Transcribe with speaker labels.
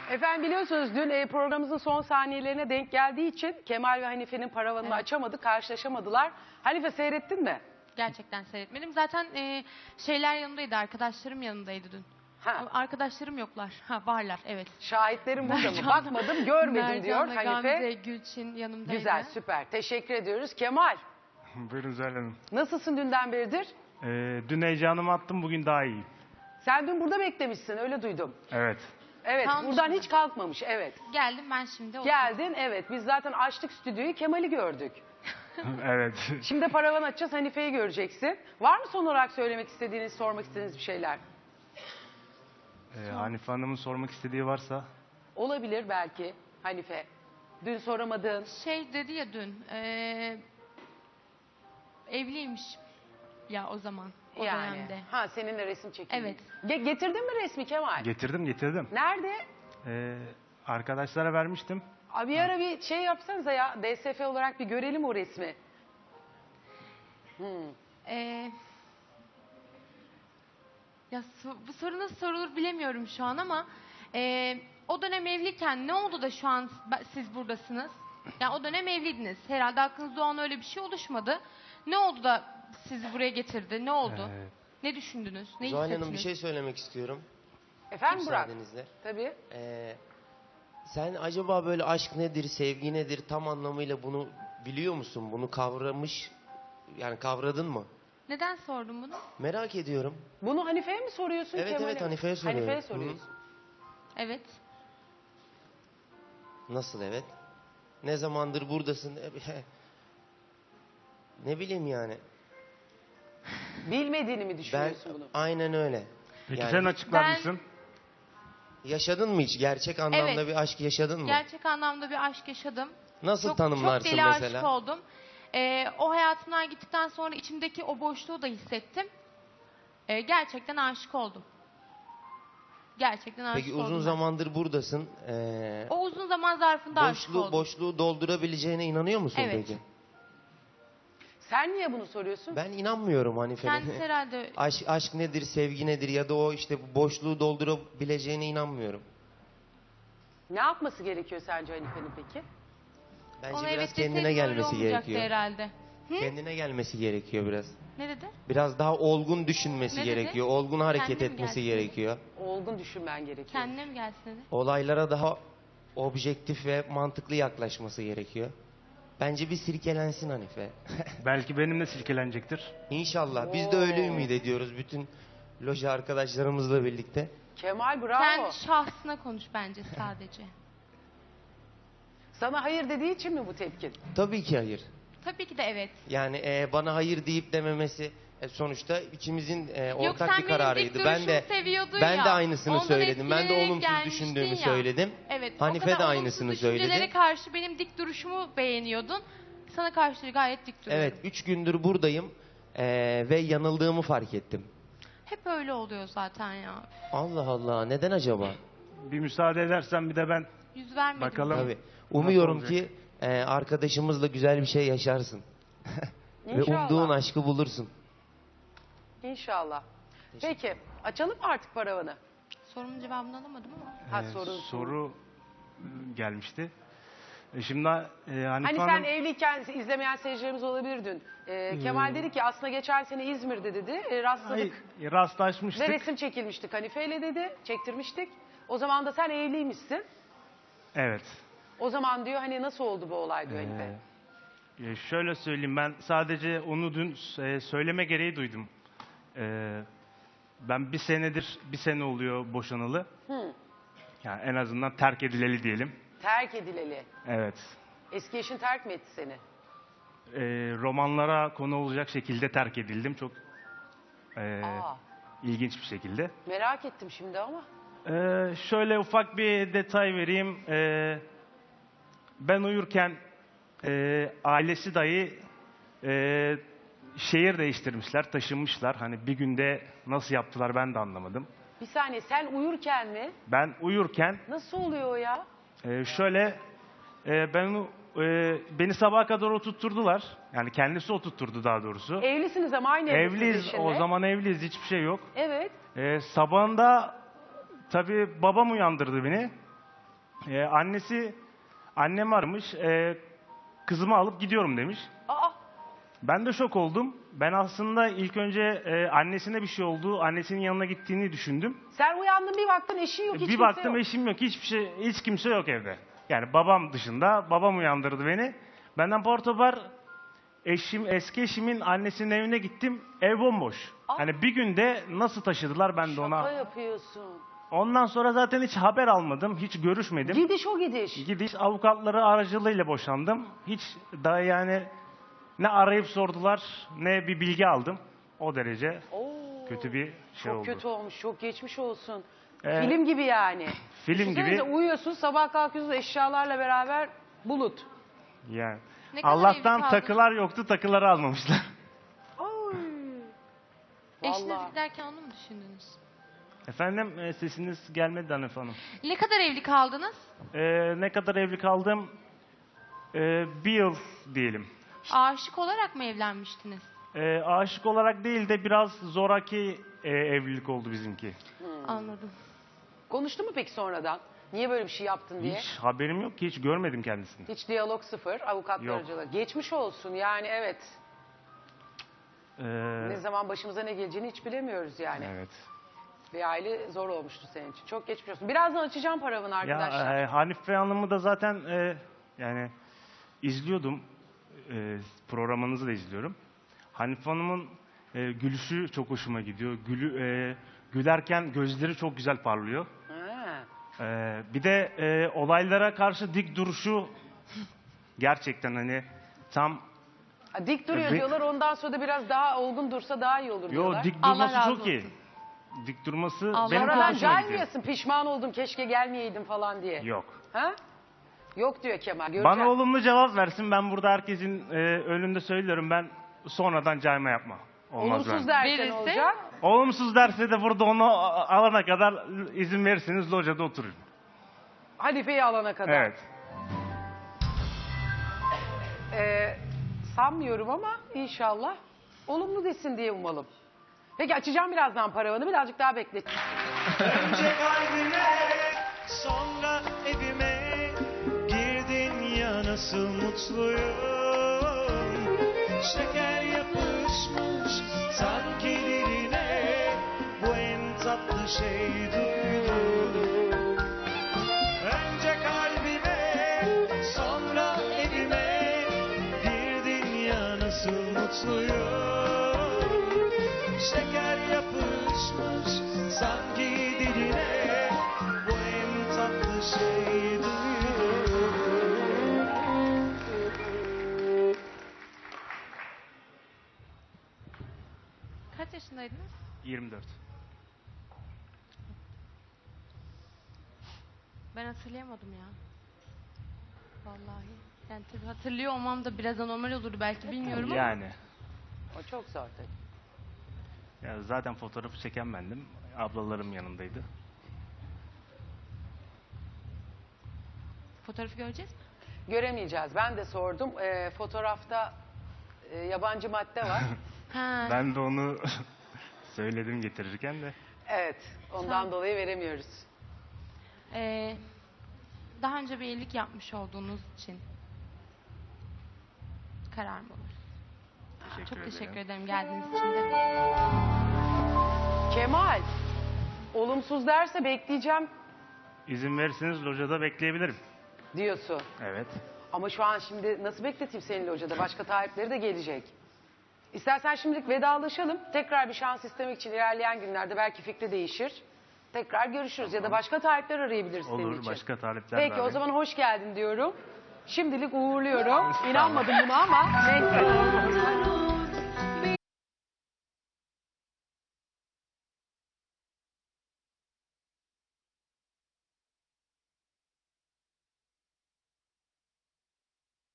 Speaker 1: Efendim biliyorsunuz dün programımızın son saniyelerine denk geldiği için Kemal ve Hanife'nin paravanını
Speaker 2: Evet.
Speaker 1: açamadı, karşılaşamadılar. Hanife seyrettin mi?
Speaker 2: Gerçekten seyretmedim. Zaten şeyler yanındaydı, arkadaşlarım yanındaydı dün.
Speaker 1: Ha.
Speaker 2: Arkadaşlarım yoklar. Ha, varlar, evet.
Speaker 1: Şahitlerim burada mı?
Speaker 2: Mercan'la-
Speaker 1: Bakmadım, görmedim diyor
Speaker 2: Mercan'la
Speaker 1: Hanife.
Speaker 2: Gamze, Gülçin yanımdaydı.
Speaker 1: Güzel, süper. Teşekkür ediyoruz. Kemal,
Speaker 3: Buyurun Zuhal Hanım.
Speaker 1: nasılsın dünden beridir?
Speaker 3: Dün heyecanımı attım, bugün daha iyiyim.
Speaker 1: Sen dün burada beklemişsin, öyle duydum.
Speaker 3: Evet.
Speaker 1: Evet,
Speaker 2: Kalmış
Speaker 1: buradan
Speaker 2: mı?
Speaker 1: hiç kalkmamış, evet.
Speaker 2: Geldim ben şimdi.
Speaker 1: Geldin, evet. Biz zaten açtık stüdyoyu, Kemal'i gördük.
Speaker 3: Evet.
Speaker 1: Şimdi paravan açacağız, Hanife'yi göreceksin. Var mı son olarak söylemek istediğiniz, sormak istediğiniz bir şeyler?
Speaker 3: Hanife Hanım'ın sormak istediği varsa.
Speaker 1: Olabilir belki Hanife. Dün soramadığın.
Speaker 2: Şey dedi ya dün, evliymiş ya o zaman, o dönemde.
Speaker 1: Ha, seninle resim çekildi.
Speaker 2: Evet.
Speaker 1: Getirdin mi resmi Kemal?
Speaker 3: Getirdim.
Speaker 1: Nerede?
Speaker 3: Arkadaşlara vermiştim.
Speaker 1: Abi bir ara bir şey yapsanıza ya. DSF olarak bir görelim o resmi.
Speaker 2: Ya bu soru nasıl sorulur bilemiyorum şu an ama o dönem evliyken ne oldu da şu an siz buradasınız? Yani o dönem evliydiniz. Herhalde aklınızda o an öyle bir şey oluşmadı. Ne oldu da sizi buraya getirdi? Ne oldu? Ne düşündünüz? Ne
Speaker 4: Zuhal
Speaker 2: hissettiniz?
Speaker 4: Hanım bir şey söylemek istiyorum.
Speaker 1: Efendim Burak?
Speaker 4: Müsaadenizle.
Speaker 1: Tabii.
Speaker 4: Sen acaba böyle aşk nedir, sevgi nedir tam anlamıyla bunu biliyor musun? Bunu kavramış, yani kavradın mı?
Speaker 2: Neden sordun bunu?
Speaker 4: Merak ediyorum.
Speaker 1: Bunu Hanife'ye mi soruyorsun
Speaker 4: Evet,
Speaker 1: Kemal'e
Speaker 4: evet,
Speaker 1: mi?
Speaker 4: Hanife'ye soruyorum.
Speaker 1: Hanife'ye soruyorsun.
Speaker 2: Evet.
Speaker 4: Nasıl evet? Ne zamandır buradasın? Ne bileyim yani.
Speaker 1: Bilmediğini mi
Speaker 4: Ben
Speaker 1: düşünüyorsun bunu?
Speaker 4: aynen öyle.
Speaker 3: Peki
Speaker 4: Yani
Speaker 3: sen açıklar
Speaker 2: ben-
Speaker 3: mısın?
Speaker 4: yaşadın mı hiç? Gerçek anlamda
Speaker 2: Evet.
Speaker 4: bir aşk yaşadın mı?
Speaker 2: Gerçek anlamda bir aşk yaşadım.
Speaker 4: Nasıl
Speaker 2: Çok
Speaker 4: tanımlarsın
Speaker 2: deli
Speaker 4: mesela?
Speaker 2: aşık oldum. O hayatımdan gittikten sonra içimdeki o boşluğu da hissettim. Gerçekten aşık oldum. Gerçekten aşık
Speaker 4: Peki
Speaker 2: oldum.
Speaker 4: uzun
Speaker 2: ben.
Speaker 4: zamandır buradasın.
Speaker 2: O uzun zaman zarfında aşık oldum.
Speaker 4: Boşluğu doldurabileceğine inanıyor musun
Speaker 2: Evet.
Speaker 4: peki?
Speaker 1: Sen niye bunu soruyorsun?
Speaker 4: Ben inanmıyorum Hanife'nin.
Speaker 2: Kendisi herhalde
Speaker 4: Aşk nedir, sevgi nedir ya da o işte bu boşluğu doldurabileceğine inanmıyorum.
Speaker 1: Ne yapması gerekiyor sence Hanife'nin peki?
Speaker 4: Bence
Speaker 2: ona
Speaker 4: biraz
Speaker 2: evet
Speaker 4: kendine
Speaker 2: deseydim öyle
Speaker 4: gelmesi
Speaker 2: olmayacaktı
Speaker 4: gerekiyor.
Speaker 2: herhalde. Hı?
Speaker 4: Kendine gelmesi gerekiyor biraz.
Speaker 2: Ne dedi?
Speaker 4: Biraz daha olgun düşünmesi
Speaker 2: Ne dedi?
Speaker 4: gerekiyor. Olgun hareket
Speaker 2: Kendine mi
Speaker 4: etmesi
Speaker 2: gelsin?
Speaker 4: gerekiyor.
Speaker 1: Olgun düşünmen gerekiyor.
Speaker 2: Kendine mi gelsin dedi?
Speaker 4: Olaylara daha objektif ve mantıklı yaklaşması gerekiyor. Bence bir sirkelensin Hanife.
Speaker 3: Belki benimle silkelenecektir.
Speaker 4: İnşallah. Biz de öyle ümit ediyoruz bütün loja arkadaşlarımızla birlikte.
Speaker 1: Kemal bravo.
Speaker 2: Sen şahsına konuş bence sadece.
Speaker 1: Sana hayır dediği için mi bu tepkin?
Speaker 4: Tabii ki hayır.
Speaker 2: Tabii ki de evet.
Speaker 4: Yani bana hayır deyip dememesi sonuçta ikimizin
Speaker 2: Yok,
Speaker 4: ortak
Speaker 2: sen
Speaker 4: bir
Speaker 2: benim
Speaker 4: kararıydı.
Speaker 2: dik
Speaker 4: Ben de
Speaker 2: duruşumu seviyordun
Speaker 4: ben
Speaker 2: ya.
Speaker 4: de aynısını
Speaker 2: Ondan
Speaker 4: söyledim. Ben de
Speaker 2: etkilenerek
Speaker 4: olumsuz
Speaker 2: gelmiştin
Speaker 4: düşündüğümü
Speaker 2: ya.
Speaker 4: söyledim.
Speaker 2: Evet.
Speaker 4: Hanife
Speaker 2: o kadar
Speaker 4: de
Speaker 2: olumsuz
Speaker 4: aynısını
Speaker 2: düşüncelere
Speaker 4: söyledi.
Speaker 2: karşı benim dik duruşumu beğeniyordun. Sana karşı gayet dik duruyorum.
Speaker 4: Evet, 3 gündür buradayım ve yanıldığımı fark ettim.
Speaker 2: Hep öyle oluyor zaten ya.
Speaker 4: Allah Allah, neden acaba?
Speaker 3: Bir müsaade edersen bir de ben
Speaker 2: Yüz vermedim.
Speaker 3: Bakalım.
Speaker 4: Tabii. Umuyorum
Speaker 3: olacak?
Speaker 4: ki arkadaşımızla güzel bir şey yaşarsın. Ve
Speaker 1: İnşallah.
Speaker 4: umduğun aşkı bulursun.
Speaker 1: İnşallah. Peki açalım mı artık paravanı?
Speaker 2: Sorumun cevabını alamadım ama.
Speaker 1: Ha,
Speaker 3: soru gelmişti. Şimdi Hanife
Speaker 1: Hani sen
Speaker 3: Hanım...
Speaker 1: evliyken izlemeyen seyircilerimiz olabilir dün. Kemal dedi ki aslında geçen sene İzmir'de dedi. Rastladık
Speaker 3: Hayır, rastlaşmıştık.
Speaker 1: ve resim çekilmiştik Hanife'yle dedi. Çektirmiştik. O zaman da sen evliymişsin.
Speaker 3: Evet.
Speaker 1: O zaman diyor hani nasıl oldu bu olay diyor Hanife.
Speaker 3: Şöyle söyleyeyim, ben sadece onu dün söyleme gereği duydum. Ben bir sene oluyor boşanalı. Yani en azından terk edileli diyelim.
Speaker 1: Terk edileli.
Speaker 3: Evet.
Speaker 1: Eski eşin terk mi etti seni?
Speaker 3: Romanlara konu olacak şekilde terk edildim. Çok
Speaker 1: Aa,
Speaker 3: ilginç bir şekilde.
Speaker 1: merak ettim şimdi ama.
Speaker 3: Şöyle ufak bir detay vereyim. Ben uyurken ailesi dahi şehir değiştirmişler, taşınmışlar. Hani bir günde nasıl yaptılar ben de anlamadım.
Speaker 1: Bir saniye, sen uyurken mi?
Speaker 3: Ben uyurken
Speaker 1: Nasıl oluyor o ya?
Speaker 3: şöyle beni sabaha kadar oturtturdular. Yani kendisi oturtturdu daha doğrusu.
Speaker 1: Evlisiniz ama aynı evlisiniz
Speaker 3: Evliyiz,
Speaker 1: eşinle.
Speaker 3: o zaman evliyiz, hiçbir şey yok.
Speaker 1: Evet.
Speaker 3: Sabahında tabii babam uyandırdı beni. Annem aramış. Kızımı alıp gidiyorum demiş.
Speaker 1: Aa,
Speaker 3: Ben de şok oldum. Ben aslında ilk önce annesine bir şey oldu, annesinin yanına gittiğini düşündüm.
Speaker 1: sen uyandın bir baktın eşin yok, hiç
Speaker 3: Bir
Speaker 1: kimse
Speaker 3: baktım
Speaker 1: yok.
Speaker 3: eşim yok, hiç kimse yok evde. Yani babam dışında, babam uyandırdı beni. Benden portobar eski eşimin annesinin evine gittim, ev bomboş.
Speaker 1: Aa.
Speaker 3: Hani bir günde nasıl taşıdılar ben de
Speaker 1: Şaka
Speaker 3: ona.
Speaker 1: yapıyorsun.
Speaker 3: Ondan sonra zaten hiç haber almadım, hiç görüşmedim.
Speaker 1: Gidiş o gidiş.
Speaker 3: Gidiş avukatları aracılığıyla boşandım. Hiç daha yani ne arayıp sordular ne bir bilgi aldım. O derece
Speaker 1: Oo,
Speaker 3: kötü bir şey
Speaker 1: çok
Speaker 3: oldu.
Speaker 1: kötü olmuş, çok geçmiş olsun.
Speaker 3: Ee,
Speaker 1: Film gibi yani.
Speaker 3: Film
Speaker 1: Düşünsenize,
Speaker 3: gibi.
Speaker 1: uyuyorsun, sabah kalkıyorsun eşyalarla beraber bulut.
Speaker 3: Yani.
Speaker 2: Ne kadar
Speaker 3: Allah'tan
Speaker 2: evli kaldınız?
Speaker 3: takılar yoktu, takıları almamışlar.
Speaker 1: Oy.
Speaker 2: Eşiniz
Speaker 1: Vallahi.
Speaker 2: giderken onu mu düşündünüz?
Speaker 3: Efendim sesiniz gelmedi Hanif Hanım.
Speaker 2: Ne kadar evli kaldınız?
Speaker 3: Ne kadar evli kaldım? Bir yıl diyelim.
Speaker 2: Aşık olarak mı evlenmiştiniz?
Speaker 3: Aşık olarak değil de biraz zoraki evlilik oldu bizimki.
Speaker 2: Anladım.
Speaker 1: Konuştu mu peki sonradan? Niye böyle bir şey yaptın diye?
Speaker 3: Hiç haberim yok ki, hiç görmedim kendisini.
Speaker 1: Hiç diyalog sıfır, avukatlar
Speaker 3: Yok.
Speaker 1: aracılığıyla. Geçmiş olsun yani, evet.
Speaker 3: Ee,
Speaker 1: Ne zaman başımıza ne geleceğini hiç bilemiyoruz yani.
Speaker 3: evet.
Speaker 1: Bir aile zor olmuştu senin için. Çok geçmiş olsun. Birazdan açacağım paravanı arkadaşlar.
Speaker 3: Ya Hanife Hanım'ı da zaten yani izliyordum. Programınızı da izliyorum. Hanife Hanım'ın gülüşü çok hoşuma gidiyor. Gülerken gözleri çok güzel parlıyor.
Speaker 1: Ha.
Speaker 3: Bir de olaylara karşı dik duruşu gerçekten hani tam
Speaker 1: Ha, dik duruyor
Speaker 3: Dik-
Speaker 1: diyorlar, ondan sonra da biraz daha olgun dursa daha iyi olur diyorlar.
Speaker 3: dik
Speaker 2: Allah
Speaker 3: durması
Speaker 2: razı
Speaker 3: çok iyi.
Speaker 2: olsun.
Speaker 3: Dik durması
Speaker 2: Allah
Speaker 3: benim çok
Speaker 1: Sonradan
Speaker 3: hoşuma gidiyor.
Speaker 1: gelmiyorsun, pişman oldum keşke gelmeyeydim falan diye.
Speaker 3: Yok.
Speaker 1: Ha? Yok diyor Kemal. Göreceğim.
Speaker 3: Bana olumlu cevap versin. Ben burada herkesin önünde söylüyorum. Ben sonradan cayma yapma. Olmaz
Speaker 1: Olumsuz
Speaker 3: bende.
Speaker 1: derse
Speaker 2: Verirse?
Speaker 1: ne olacak?
Speaker 3: Olumsuz derse de burada onu alana kadar izin verirseniz locada oturun.
Speaker 1: Halife'yi alana kadar.
Speaker 3: Evet.
Speaker 1: Sanmıyorum ama inşallah olumlu desin diye umalım. Peki açacağım birazdan paravanı, birazcık daha beklet.
Speaker 5: Önce kalbime, sonra evime girdin ya nasıl mutluyum. Şeker yapışmış sanki diline, bu en tatlı şey duydum. Önce kalbime, sonra evime girdin ya nasıl mutluyum. Şeker yapışmış sanki diline, bu en tatlı şey duydum.
Speaker 2: Kaç yaşındaydınız?
Speaker 3: 24.
Speaker 2: Ben hatırlayamadım ya. Vallahi. Yani tabii hatırlıyor olmam da biraz anormal olurdu belki, bilmiyorum ama.
Speaker 3: Yani.
Speaker 1: O çok zor tabii.
Speaker 3: Ya zaten fotoğrafı çeken bendim. Ablalarım yanındaydı.
Speaker 2: Fotoğrafı göreceğiz mi?
Speaker 1: Göremeyeceğiz. Ben de sordum. Fotoğrafta yabancı madde var.
Speaker 2: Ha.
Speaker 3: Ben de onu söyledim getirirken de.
Speaker 1: Evet. Ondan
Speaker 2: Tamam.
Speaker 1: dolayı veremiyoruz.
Speaker 2: Daha önce bir evlilik yapmış olduğunuz için karar mı olur? Çok teşekkür ederim geldiğiniz için de.
Speaker 1: Kemal. Olumsuz derse bekleyeceğim
Speaker 3: İzin verirseniz locada bekleyebilirim.
Speaker 1: diyorsun.
Speaker 3: Evet.
Speaker 1: Ama şu an şimdi nasıl bekleteyim seninle hocada? Başka talipleri de gelecek. İstersen şimdilik vedalaşalım. Tekrar bir şans istemek için ilerleyen günlerde belki fikri değişir. Tekrar görüşürüz ya da başka talipler arayabiliriz senin
Speaker 3: Olur,
Speaker 1: için.
Speaker 3: başka talepler
Speaker 1: Peki
Speaker 3: de
Speaker 1: o
Speaker 3: arayın.
Speaker 1: zaman hoş geldin diyorum. Şimdilik uğurluyorum. İnanmadım buna ama neyse.